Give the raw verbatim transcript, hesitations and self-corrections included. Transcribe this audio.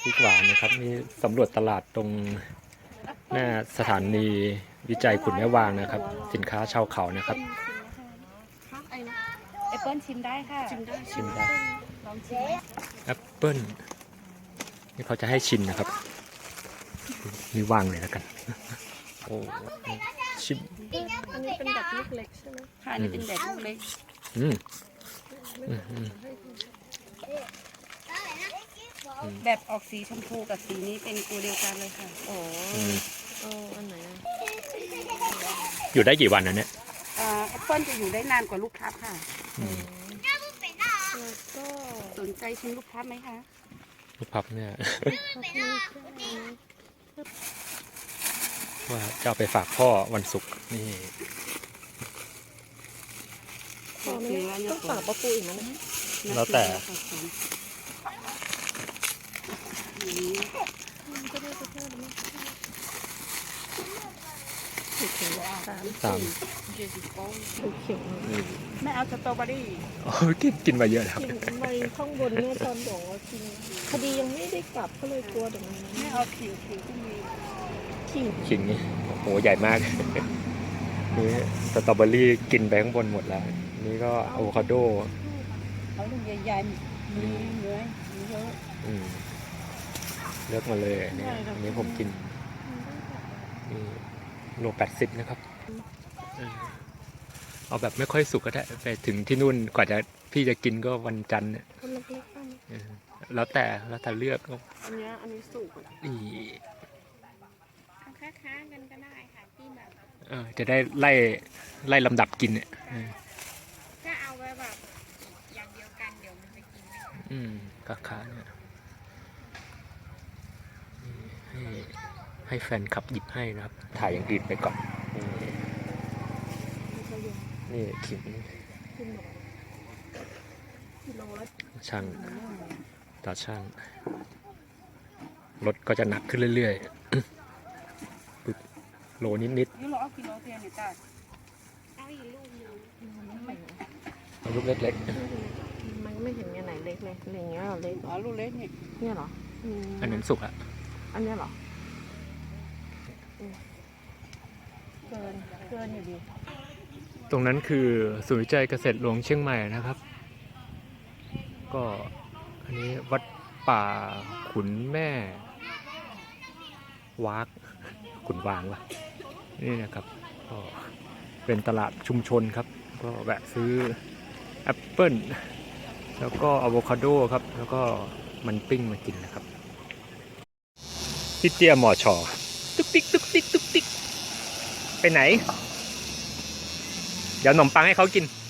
ริกหวานนะครับนี่สำรวจตลาดตรงหน้าสถานีวิจัยขุนแม่วางนะครับสินค้าชาวเขานะครับแอปเปิ้ลชิมได้ค่ะชิมได้ชิมได้ลองชิมแอปเปิ้ลนี่เขาจะให้ชิมนะครับนี่วางเลยแล้วกันโอ้ชิมอันนี้เป็นแบบลูกเล็กใช่ไหมค่ะนี่เป็นแบบลูกเล็กอืมอืมอืมแบบออกสีชมพูกับสีนี้เป็นตัวเดียวกันเลยค่ะโอ้อืมเอาอันไหนอะอยู่ได้กี่วันนะเนี่ยแอปเปิ้ลจะอยู่ได้นานกว่าลูกพลับค่ะอืมแล้วก็สนใจชิมลูกพลับไหมคะลูกพับเนี่ยพับนี่ก็ว่าจะเอาไปฝากพ่อวันศุกร์นี่พอไหมต้องฝากปลาปูอีกนะแล้วแต่ก็ได้สักเท่าไหร่มั้งถูกเขียนสามสามถูกเขียนอืมไม่เอาสตรอเบอรี่โอ้ยกินกินมาเยอะแล้วกินใบข้างบนเนี่ยตอนบอกว่ากินคดียังไม่ได้กลับก็เลยกลัวเดี๋ยวมันไม่เอาขิงขิงที่มีขิงขิงนี่โอ้โหใหญ่มาก นี่สตรอเบอรี่กินไปข้างบนหมดแล้ว นี่ก็อะโวคาโดเอาลูกใหญ่ๆมีเนื้อมีเยอะอืมเลือกมาเลยเนี่ยอันนี้ผมกินนี่โลแปดสิบนะครับเออเอาแบบไม่ค่อยสุกก็ได้ไปถึงที่นู่นกว่าจะพี่จะกินก็วันจันทร์เนี่ยคนเล็กๆบ้างเออแล้วแต่แล้วแต่เลือกก็อันนี้อันนี้สุกนี่ค้าๆกันก็ได้ค่ะที่แบบเออจะได้ไล่ไล่ลำดับกินเนี่ยเออถ้าเอาไว้แบบอย่างเดียวกันเดี๋ยวมันจะกินไม่ได้อืมกาขาเนี่ยนี่ให้ให้แฟนคลับหยิบให้นะครับ ถ่ายอย่างอื่นไปก่อน นี่นี่ขิงกินหมดกิโลละช่างตาช่างรถก็จะหนักขึ้นเรื่อยๆ ปึ๊บโลนิดนี่เราเอากิโลเทียนเนี่ยจ้ะเอาอีกลูกนึงๆเอาลูกเล็กมันไม่เห็นไงไหนเล็กเลยอะไรอย่างเงี้ยเหรอเล็กอ๋อลูกเล็กนี่เนี่ยเหรออืมๆ อันนั้นสุกอะอันเนี้ยเหรออืมเกินเกินอยู่ดีตรงนั้นคือศูนย์วิจัยเกษตรหลวงเชียงใหม่นะครับ ก็อันนี้วัดป่าขุนแม่วากขุนวางวะนี่นะครับก็เป็นตลาดชุมชนครับ ก็แวะซื้อแอปเปิ้ลแล้วก็อะโวคาโดครับ แล้วก็มันปิ้งมากินนะครับพี่เตี้ยหมอชอตุ๊กติ๊กตุ๊กติ๊กตุ๊กติ๊กไปไหน เดี๋ยวขนมปังให้เขากิน